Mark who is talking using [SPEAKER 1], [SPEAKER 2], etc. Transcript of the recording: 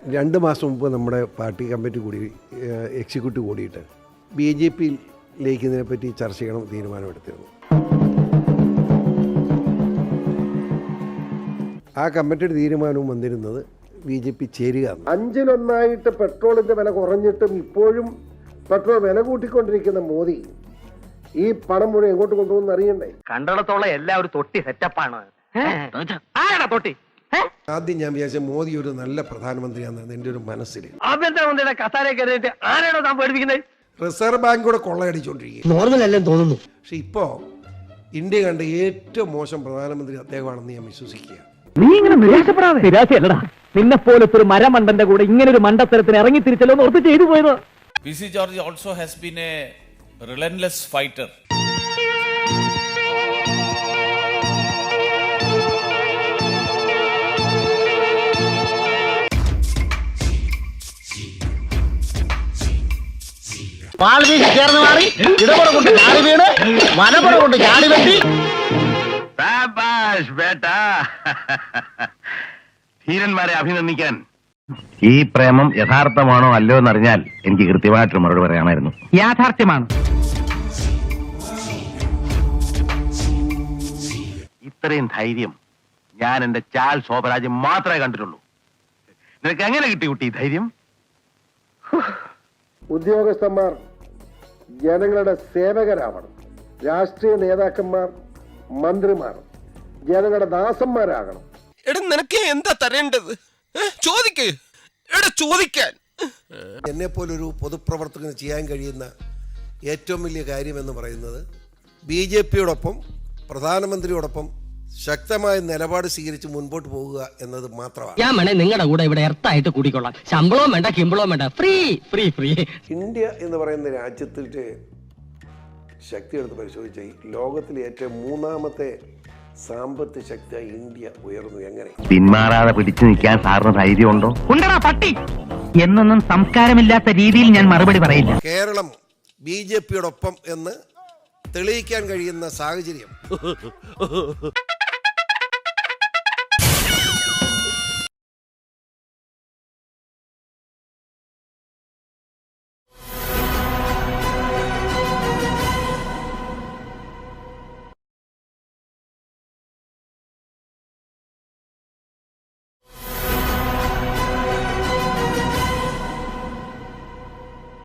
[SPEAKER 1] 2 മാസം മുമ്പ് നമ്മുടെ പാർട്ടി കമ്മിറ്റി കൂടി എക്സിക്യൂട്ടീവ് കൂടിയിട്ട് BJP ലയിക്കുന്നതിനെപ്പറ്റി ചർച്ച ചെയ്യണം തീരുമാനമെടുത്തിരുന്നു. ആ കമ്മിറ്റിയുടെ തീരുമാനവും വന്നിരുന്നത് BJP ചേരുക. 5-1 പെട്രോളിൻ്റെ വില കുറഞ്ഞിട്ടും ഇപ്പോഴും പെട്രോൾ വില കൂട്ടിക്കൊണ്ടിരിക്കുന്ന മോദി ഈ പണം മുഴുവൻ എങ്ങോട്ട് കൊണ്ടുപോകുന്ന അറിയണ്ടേ?
[SPEAKER 2] കണ്ടിടത്തോളം എല്ലാവരും തൊട്ടി സെറ്റപ്പാണ്. തൊട്ടി
[SPEAKER 1] ആദ്യം ഞാൻ വിചാരിച്ച മോദി ഒരു നല്ല പ്രധാനമന്ത്രിയാണെന്ന് എൻ്റെ ഒരു മനസ്സിൽ.
[SPEAKER 2] ആഭ്യന്തരമന്ത്രിയുടെ കസാരയെ കയറിയിട്ട് ആരാണോ താൻ പേടിപ്പിക്കുന്നത്?
[SPEAKER 1] റിസർവ് ബാങ്ക് കൂടെ കൊള്ളയടിച്ചുകൊണ്ടിരിക്കുക.
[SPEAKER 3] നോർമലല്ലെന്ന് തോന്നുന്നു.
[SPEAKER 1] പക്ഷെ ഇപ്പോൾ ഇന്ത്യ കണ്ട ഏറ്റവും മോശം പ്രധാനമന്ത്രി അദ്ദേഹമാണെന്ന് ഞാൻ വിശ്വസിക്കുക.
[SPEAKER 2] നീ ഇങ്ങനെ നിരാശപ്പെടാതെ. നിരാശയല്ലടാ, നിന്നെ പോലത്തെ ഒരു മരമണ്ടന്റെ കൂടെ ഇങ്ങനെ ഒരു മണ്ടത്തരത്തിന് ഇറങ്ങി തിരിച്ചല്ലോ എന്ന് ഓർത്ത് ചെയ്തു പോയത്.
[SPEAKER 4] PC George also has been a relentless fighter.
[SPEAKER 3] ചേർന്ന് മാറി ഇടപുറം കൊണ്ട് ചാടി വീണ് വലപ്പുറം കൊണ്ട് ചാടി വെട്ടി.
[SPEAKER 5] ധീരന്മാരെ അഭിനന്ദിക്കാൻ. ഈ പ്രേമം യഥാർത്ഥമാണോ അല്ലയോ എന്നറിഞ്ഞാൽ എനിക്ക് കൃത്യമായിട്ടൊരു മറുപടി പറയാമായിരുന്നു.
[SPEAKER 2] യാഥാർത്ഥ്യമാണ്.
[SPEAKER 5] ഇത്രയും ധൈര്യം ഞാൻ എന്റെ ചാൽ ശോഭരാജ് മാത്രമേ കണ്ടിട്ടുള്ളൂ. നിനക്ക് എങ്ങനെ കിട്ടി കുട്ടി ഈ ധൈര്യം?
[SPEAKER 1] ഉദ്യോഗസ്ഥന്മാർ ജനങ്ങളുടെ സേവകരാവണം. രാഷ്ട്രീയ നേതാക്കന്മാർ മന്ത്രിമാർ ജനങ്ങളുടെ ദാസന്മാരാകണം.
[SPEAKER 6] നിനക്ക് എന്താ തരേണ്ടത്? ചോദിക്കാൻ
[SPEAKER 1] എന്നെ പോലൊരു പൊതുപ്രവർത്തകന് ചെയ്യാൻ കഴിയുന്ന ഏറ്റവും വലിയ കാര്യമെന്ന് പറയുന്നത് BJPയോടൊപ്പം പ്രധാനമന്ത്രിയോടൊപ്പം ശക്തമായ നിലപാട് സ്വീകരിച്ച് മുൻപോട്ട് പോകുക എന്നത് മാത്രമാണ്.
[SPEAKER 3] ഞാൻ വേണേ നിങ്ങളുടെ കൂടെ ഇവിടെ എർത്തായിട്ട് കൂടിക്കൊള്ളാം. ശമ്പളവും വേണ്ട കിമ്പളവും വേണ്ട, ഫ്രീ ഫ്രീ ഫ്രീ.
[SPEAKER 1] ഇന്ത്യ എന്ന് പറയുന്ന രാജ്യത്തിൻ്റെ ശക്തി എടുത്ത് പരിശോധിച്ച ലോകത്തിലെ ഏറ്റവും 3ാമത്തെ സാമ്പത്തിക ശക്തിയായി ഇന്ത്യ ഉയർന്നു. എങ്ങനെ
[SPEAKER 5] പിന്മാറാതെ പിടിച്ചു നിൽക്കാൻ സാറിന് ധൈര്യമുണ്ടോ?
[SPEAKER 2] പട്ടി എന്നൊന്നും സംസ്കാരമില്ലാത്ത രീതിയിൽ ഞാൻ മറുപടി പറയില്ല.
[SPEAKER 1] കേരളം BJPയോടൊപ്പം എന്ന് തെളിയിക്കാൻ കഴിയുന്ന സാഹചര്യം